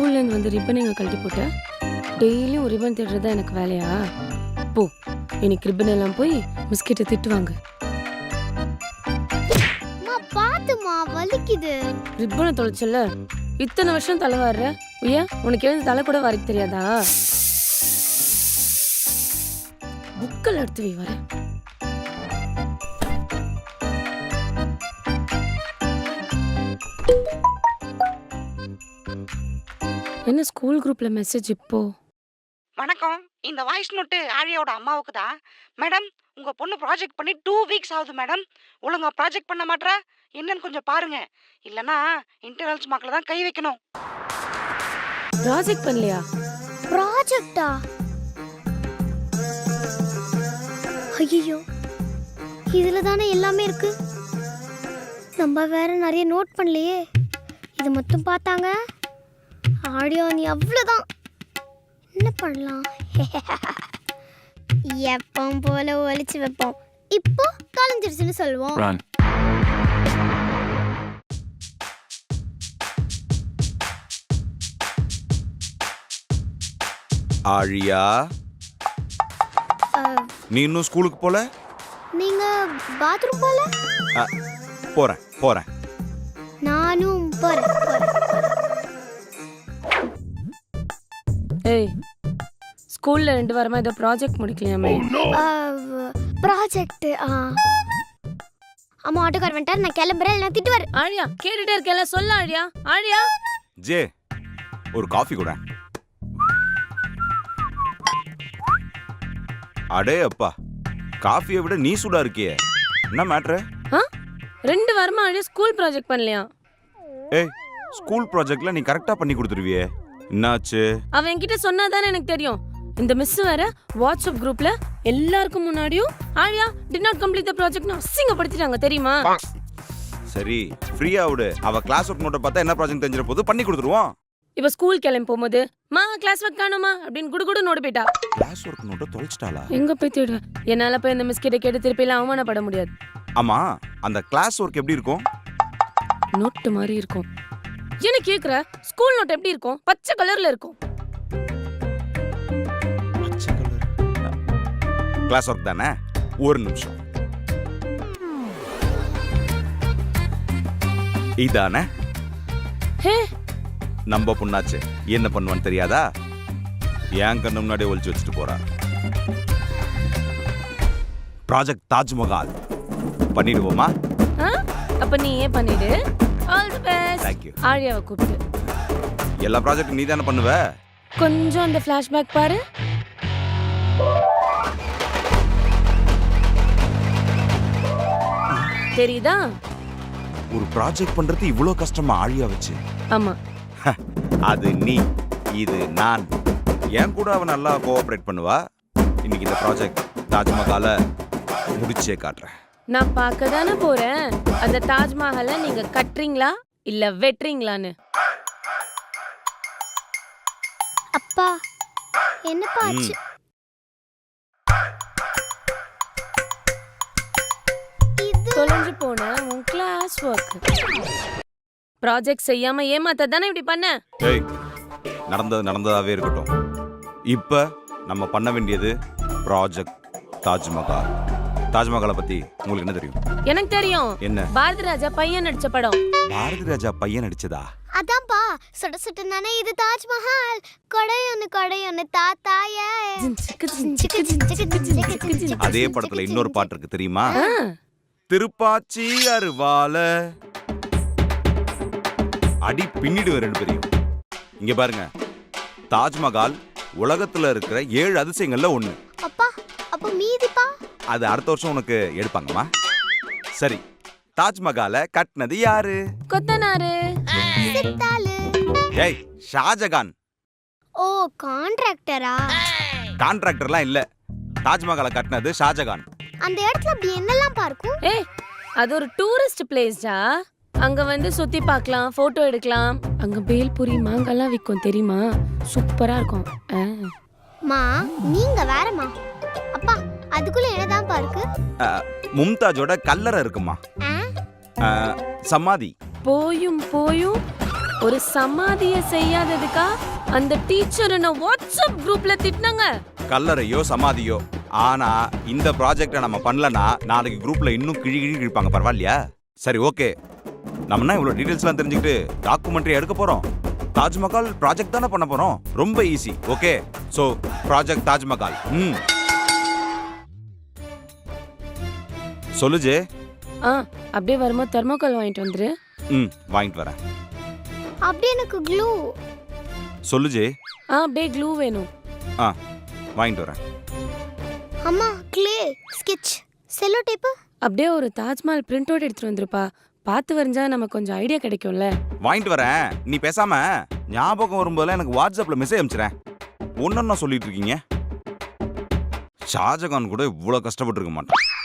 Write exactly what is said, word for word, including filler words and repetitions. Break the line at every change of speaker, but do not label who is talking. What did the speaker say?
ஸ்கூல்ல இருந்து வந்து ரிப்பன் எங்க கழட்டி போட்ட? டெய்லியும் ரிப்பன் தேடுறதா எனக்கு வேலையா? போ, இன்னைக்கு ரிப்பன் எல்லாம் போய் மிஸ் கிட்ட திட்டுவாங்க.
அம்மா பாத்துமா, வலிக்குது.
ரிப்பனை தொலைச்சல, இத்தனை வருஷம் தலை வாடுற. ஐயா, உனக்கு எழுந்து தலை கூட வரைக்க தெரியாதா? புக்கல் எடுத்து வை வர. என்ன ஸ்கூல் குரூப்ல மெசேஜ் இப்போ?
வணக்கம், இந்த வாய்ஸ் நோட்டு ஆழியாவோட அம்மாவுக்கு தான். மேடம், உங்க பொண்ணு ப்ராஜெக்ட் பண்ணி டூ வீக்ஸ் ஆகுது மேடம். ஒழுங்கா ப்ராஜெக்ட் பண்ண மாட்டா, என்னன்னு கொஞ்சம் பாருங்க. இல்லனா இன்டர்னல்ஸ் மார்க்ல தான் கை வைக்கணும்.
ப்ராஜெக்ட் பண்ணலையா?
ப்ராஜெக்ட்டா? ஐயோ, இதுல தானே எல்லாமே இருக்கு. நம்ம வேற நிறைய நோட் பண்ணலையே. இது மட்டும் பார்த்தாங்க ஆடியோ நீ அவ்வளோதான். என்ன பண்ணலாம்? எப்பவும் போல ஒழிச்சு வைப்போம். இப்போ கலைஞ்சிருச்சுன்னு சொல்லுவோம்.
Run.
ஆழியா, நீ இன்னும் ஸ்கூலுக்கு போல?
நீங்க பாத்ரூம் போல?
அ, போறேன் போறேன்.
நானும் போறேன் போறேன்.
ஏய், ஸ்கூல்ல ரெண்டு வாரமா ஏதோ ப்ராஜெக்ட் முடிக்கலையாமே?
ப்ராஜெக்ட். அம்மா ஆட்டோக்கார் வந்துட்டார், நான் கிளம்புறேன். நான் திட்டுவார்.
ஆழியா, கேட்டுட்டே இருக்கேன்ல, சொல்ல ஆழியா. ஆழியா,
ஜே, ஒரு காஃபி கூட. அடே அப்பா, காஃபியை விட நீ சூடா இருக்கியே, என்ன மேட்ரு?
ஆ? ரெண்டு வாரமா ஆழியா ஸ்கூல் ப்ராஜெக்ட் பண்ணலையா?
ஏய், ஸ்கூல் ப்ராஜெக்ட்ல நீ கரெக்டா பண்ணி கொடுத்துருவியே, என்னாச்சு?
அவன் என்கிட்ட சொன்னாதானே எனக்கு தெரியும். இந்த மிஸ் வேற வாட்ஸ்அப் குரூப்ல எல்லாருக்கும் முன்னாடியும் Aazhiya did not complete the ப்ராஜெக்ட்னு அசிங்கப்படுத்திட்டாங்க, தெரியுமா?
சரி, ஃப்ரீயா விடு. அவ கிளாஸ் ஒர்க் நோட்டை பார்த்தா என்ன ப்ராஜெக்ட் தெரிஞ்சிர போது பண்ணி கொடுத்துருவோம்.
இப்ப ஸ்கூல் கிளம்பி போகும்போது மா கிளாஸ் ஒர்க் காணுமா அப்படின்னு குடுகுடு நோடு போயிட்டா.
கிளாஸ் ஒர்க் நோட்டை தொலைச்சிட்டாளா?
எங்க போய் தேடுவேன்? என்னால போய் இந்த மிஸ் கிட்ட கேட்டு திருப்பி எல்லாம் அவமானப்பட முடியாது.
ஆமா, அந்த கிளாஸ் ஒர்க் எப்படி இருக்கும்?
நோட்டு மாதிரி இருக்கும். என்ன கேக்குற? ஸ்கூல் நோட் எப்படி இருக்கும்? பச்சை கலர்ல இருக்கும்.
பச்சை கலர். கிளாஸ் ஒர்க் தானே? ஒரு நிமிஷம். இதானே?
ஹே,
நம்ம பொண்ணாச்சு, என்ன பண்ணுவான்னு தெரியாதா? ஏன் கண்ணு முன்னாடி ஒளிச்சு வச்சுட்டு போறா. ப்ராஜெக்ட் தாஜ்மஹால் பண்ணிடுவோமா?
ஆ? அப்ப நீ ஏன் பண்ணிடு. All the best.
Thank you.
ஆழியாவை கூப்பிட்டு.
எல்லா ப்ராஜெக்ட் நீ தானே பண்ணுவ?
கொஞ்சம் அந்த ஃபிளாஷ்பேக் பாரு. தெரியுதா?
ஒரு ப்ராஜெக்ட் பண்றது இவ்வளவு கஷ்டமா ஆழியா வச்சு?
ஆமா.
அது நீ, இது நான். என் கூட அவ நல்லா கோஆபரேட் பண்ணுவா. இன்னைக்கு இந்த ப்ராஜெக்ட் தாஜ்மஹாலை முடிச்சே காட்டுறேன்.
நான் பார்க்க தானே போறேன் அந்த தாஜ்மஹாலை நீங்க கட்டுறீங்களா இல்ல வெட்டுறீங்களான்னு.
அப்பா, என்னப்பா ஆச்சு? இது
தொலைஞ்சு போன உன் கிளாஸ் ஒர்க். ப்ராஜெக்ட் செய்யாம ஏமாத்த தானே இப்படி பண்ண?
ஏய், நடந்தது நடந்ததாவே இருக்கட்டும். இப்ப நம்ம பண்ண வேண்டியது ப்ராஜெக்ட் தாஜ்மஹால். தாஜ்மஹாலை பத்தி உங்களுக்கு என்ன தெரியும்?
எனக்கு தெரியும்.
என்ன?
பாரதி ராஜா பையன் நடிச்ச படம்.
பாரதி ராஜா பையன் நடிச்சதா?
அதான்ப்பா, சுட சுட நானே இது தாஜ்மஹால். கொடையொன்னு கொடையொன்னு தாத்தாய.
அதே படத்துல இன்னொரு பாட்டு இருக்கு தெரியுமா?
ஆ,
திருப்பாச்சி அருவால அடி பின்னிடுவேன் ரெண்டு பேரையும். இங்க பாருங்க, தாஜ்மஹால் உலகத்துல இருக்கிற ஏழு அதிசயங்கள்ல ஒண்ணு.
அப்பா, அப்ப மீதிப்பா?
அது அடுத்த வருஷம் உனக்கு எடுப்பாங்கம்மா. சரி, தாஜ்மஹாலை கட்டினது யாரு?
கொத்தனாரு.
சித்தாளு.
ஏய், ஷாஜகான்.
ஓ, கான்ட்ராக்டரா?
கான்ட்ராக்டர்லாம் இல்ல, தாஜ்மஹாலை கட்டினது ஷாஜகான்.
அந்த இடத்துல அப்படி என்னெல்லாம் பார்க்கும்?
ஏய், அது ஒரு டூரிஸ்ட் பிளேஸ்டா. அங்க வந்து சுத்தி பார்க்கலாம், போட்டோ எடுக்கலாம். அங்க பேல்பூரி மாங்காலாம் விற்கும், தெரியுமா? சூப்பரா இருக்கும். ஆ.
மா, நீங்க வேறமா. அப்பா, அதுக்குள்ள என்னதான் பார்க்கு?
மும்தாஜோட கல்லறை இருக்குமா?
ஆ?
சமாதி.
போயும் போயும் ஒரு சமாதிய செய்யாததுக்கா அந்த டீச்சர் என்ன வாட்ஸ்அப் குரூப்ல திட்டினாங்க.
கல்லறையோ சமாதியோ, ஆனா இந்த ப்ராஜெக்டை நம்ம பண்ணலனா நாளைக்கு குரூப்ல இன்னும் கிழி கிழி கிழிப்பாங்க. பரவாயில்லையா? சரி, ஓகே. நம்மனா இவ்வளவு டீடைல்ஸ்லாம் தெரிஞ்சுக்கிட்டு டாக்குமெண்ட்ரி எடுக்க போறோம். தாஜ்மஹால் ப்ராஜெக்ட் தானே பண்ண போறோம். ரொம்ப easy. Okay, so project Taj Mahal. ம் சொல்லுஜே.
ஆ அப்படியே வரும்போது தெர்மோகால் வாங்கிட்டு வந்துரு.
ம் வாங்கிட்டு வரேன்.
அப்படியே எனக்கு க்ளூ.
சொல்லுஜே.
ஆ அப்படியே க்ளூ வேணும்.
ஆ வாங்கிட்டு வரேன்.
அம்மா க்ளே, ஸ்கெட்ச், செல்லோ டேப்பு.
அப்படியே ஒரு தாஜ்மஹால் பிரிண்ட் அவுட் எடுத்துட்டு வந்துருப்பா. பார்த்து வரைஞ்சா நமக்கு கொஞ்சம் ஐடியா கிடைக்கும்ல.
வாங்கிட்டு வரேன். நீ பேசாம ஞாபகம் வரும்போதெல்லாம் எனக்கு வாட்ஸ்அப்ல மெசேஜ் அனுப்பிச்சிடேன். ஒன்னொன்னா சொல்லிட்டு இருக்கீங்க. ஷாஜகான் கூட இவ்வளவு கஷ்டப்பட்டு இருக்க மாட்டான்.